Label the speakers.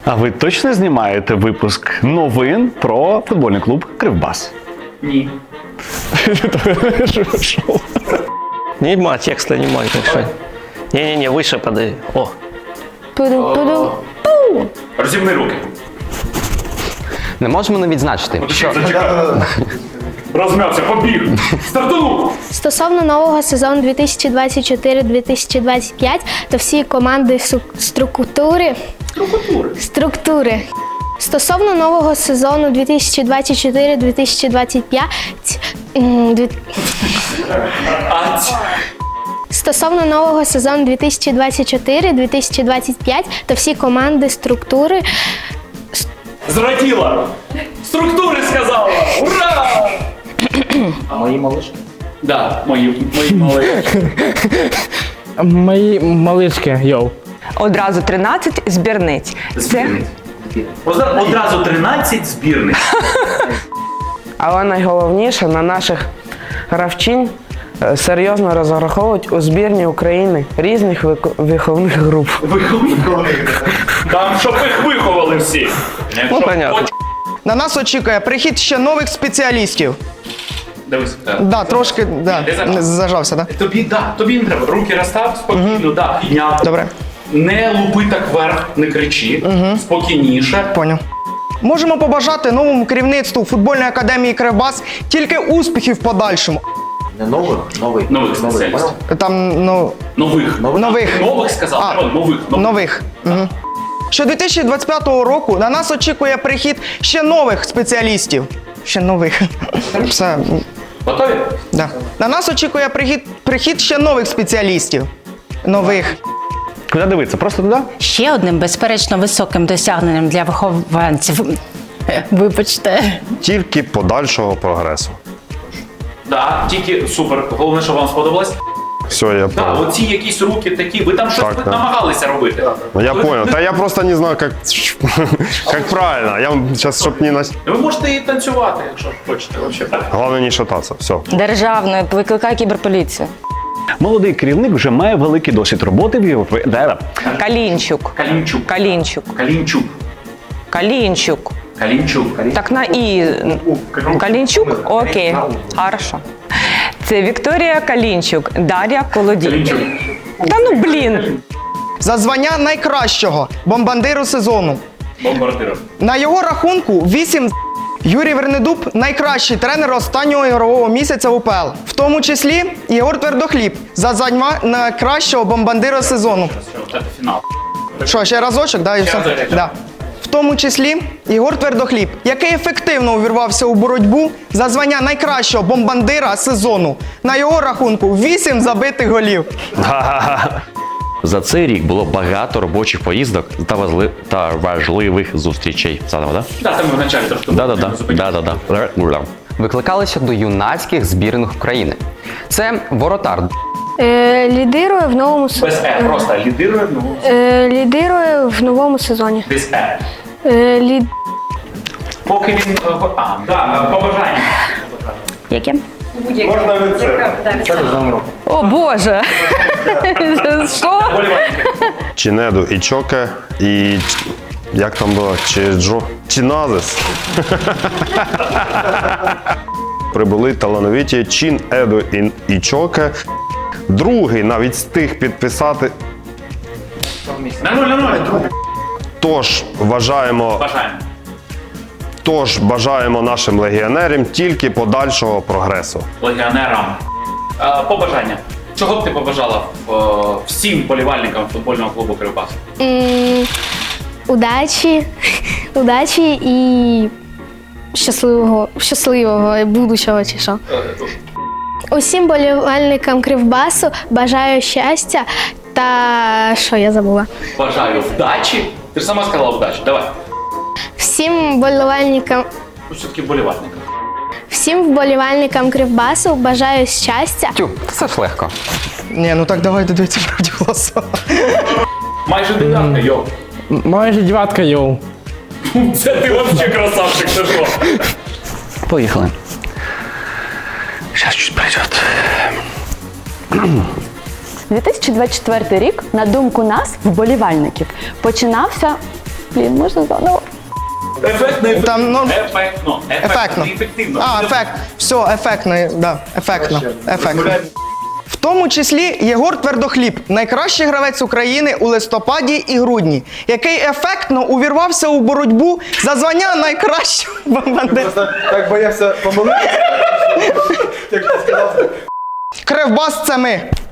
Speaker 1: А ви точно знімаєте випуск новин про футбольний клуб «Кривбас»?
Speaker 2: Ні.
Speaker 3: Нема текста, нема. Не-не-не, выше подай. О.
Speaker 2: Розімни руки.
Speaker 4: Не можемо не відзначити, що
Speaker 2: Розм'явся, побіг. Стартанув.
Speaker 5: Стосовно нового сезону 2024-2025, то всі команди структури. Стосовно нового сезону 2024-2025, Стосовно нового сезону 2024-2025, то всі команди структури.
Speaker 2: Зраділа. Структури сказала. Ура! А мої малишки? Да, мої малишки.
Speaker 6: Мої малишки, йоу.
Speaker 7: Одразу 13 збірниць.
Speaker 2: Одразу 13 збірних.
Speaker 8: Але найголовніше, на наших гравчинь серйозно розраховують у збірні України різних виховних груп.
Speaker 2: Там, щоб їх виховали всі.
Speaker 3: Ну, понятно.
Speaker 9: На нас очікує прихід ще нових спеціалістів.
Speaker 2: Дивись.
Speaker 9: Да, трошки, да,
Speaker 2: Ти зажав.
Speaker 9: зажався, да?
Speaker 2: Тобі не треба. Руки розстав, спокійно, да, підняв.
Speaker 9: Добре.
Speaker 2: Не лупи так вверх, не кричи. Спокійніше.
Speaker 9: Поняв. Можемо побажати новому керівництву футбольної академії «Кривбас» тільки успіхів в подальшому.
Speaker 10: Не нових,
Speaker 2: Нових спеціалістів.
Speaker 9: Там, ну,
Speaker 2: Нових. Нових сказав,
Speaker 9: А,
Speaker 2: треба нових.
Speaker 9: нових. Угу. Що 2025 року на нас очікує прихід ще нових спеціалістів. Ще нових. Все.
Speaker 2: Готові?
Speaker 9: Да. На нас очікує прихід ще нових спеціалістів. Нових.
Speaker 1: Куди дивитися? Просто туди?
Speaker 11: Ще одним, безперечно, високим досягненням для вихованців. Вибачте.
Speaker 12: Тільки подальшого прогресу.
Speaker 2: Да, тільки супер. Головне, що вам сподобалось.
Speaker 12: Все, я
Speaker 2: Да,
Speaker 12: понял.
Speaker 2: оці якісь руки такі, ви там щось
Speaker 12: Так, да.
Speaker 2: намагалися робити.
Speaker 12: Ну, я понял. Да я просто не знаю, как правильно. Я сейчас, чтоб не...
Speaker 2: Ви можете і танцювати, якщо хочете. Взагалі.
Speaker 12: Главное не шататься. Все.
Speaker 7: Державною викликає кіберполіцію.
Speaker 1: Молодий керівник вже має великий досвід роботи в Європі.
Speaker 7: Калінчук.
Speaker 2: Калінчук.
Speaker 7: Калінчук.
Speaker 2: Калінчук.
Speaker 7: Калінчук.
Speaker 2: Калінчук.
Speaker 7: Так на І. Калінчук? Окей. Хорошо. Це Вікторія Калінчук, Дар'я Колодій.
Speaker 2: Калінчук.
Speaker 7: Та ну блін.
Speaker 9: За звання найкращого бомбардиру сезону.
Speaker 2: Бомбардиром.
Speaker 9: На його рахунку 8. Юрій Вернедуб – найкращий тренер останнього ігрового місяця УПЛ. В тому числі Єгор Твердохліб за звання найкращого бомбардира сезону.
Speaker 2: Це фінал.
Speaker 9: Що, ще разочок, да, і все?
Speaker 2: разочок.
Speaker 9: Да. В тому числі Єгор Твердохліб, який ефективно увірвався у боротьбу за звання найкращого бомбардира сезону. На його рахунку 8 забитих голів.
Speaker 4: за цей рік було багато робочих поїздок та важливих зустрічей. Заново, так?
Speaker 2: Так, там ми вначалі трошки.
Speaker 4: Да.
Speaker 13: Викликалися до юнацьких збірних України. Це воротар.
Speaker 5: Лідирує в новому сезоні.
Speaker 2: Без Е, просто лідирує, ну.
Speaker 5: Лідирує в новому сезоні.
Speaker 2: Без Е.
Speaker 5: Лід...
Speaker 2: Поки він... побажання.
Speaker 11: Яке?
Speaker 2: Можна від себе.
Speaker 7: О Боже. Що?
Speaker 12: Чинеду і Чоке, і... Як там було? Чиназис. Прибули талановиті Чин, Еду і Чоке. Другий навіть встиг підписати.
Speaker 2: На нуль.
Speaker 12: Тож бажаємо нашим легіонерам тільки подальшого прогресу.
Speaker 2: Легіонерам. Побажання. Чого б ти побажала всім болівальникам футбольного клубу «Кривбас»?
Speaker 5: Удачі і щасливого будущого чи що. Усім болівальникам Кривбасу бажаю щастя та що я забула?
Speaker 2: Бажаю вдачі. Ти ж сама сказала вдачі. Давай.
Speaker 5: Всім болівальникам
Speaker 2: Все-таки болівальникам.
Speaker 5: Всім вболівальникам Кривбасу бажаю щастя.
Speaker 13: Тю, це ж легко.
Speaker 9: Ні, ну так давай додивіться правді голоса.
Speaker 2: Майже дев'ятка, йоу.
Speaker 6: Майже дев'ятка, йоу.
Speaker 2: Це ти взагалі красавчик, це що?
Speaker 13: Поїхали.
Speaker 4: Зараз чуть пройдет.
Speaker 11: 2024 рік, на думку нас, вболівальників, починався
Speaker 7: Блін, можна заново?
Speaker 2: Ефектно,
Speaker 9: Там, ну,
Speaker 2: ефектно.
Speaker 9: ефектно.
Speaker 2: Не ефективно.
Speaker 9: А, ефект. Все, ефектно, да, ефектно. Ефектно. В тому числі Єгор Твердохліб, найкращий гравець України у листопаді і грудні, який ефектно увірвався у боротьбу за звання найкращого бомбардира.
Speaker 12: Так боявся помилитися.
Speaker 9: Кривбас – це ми.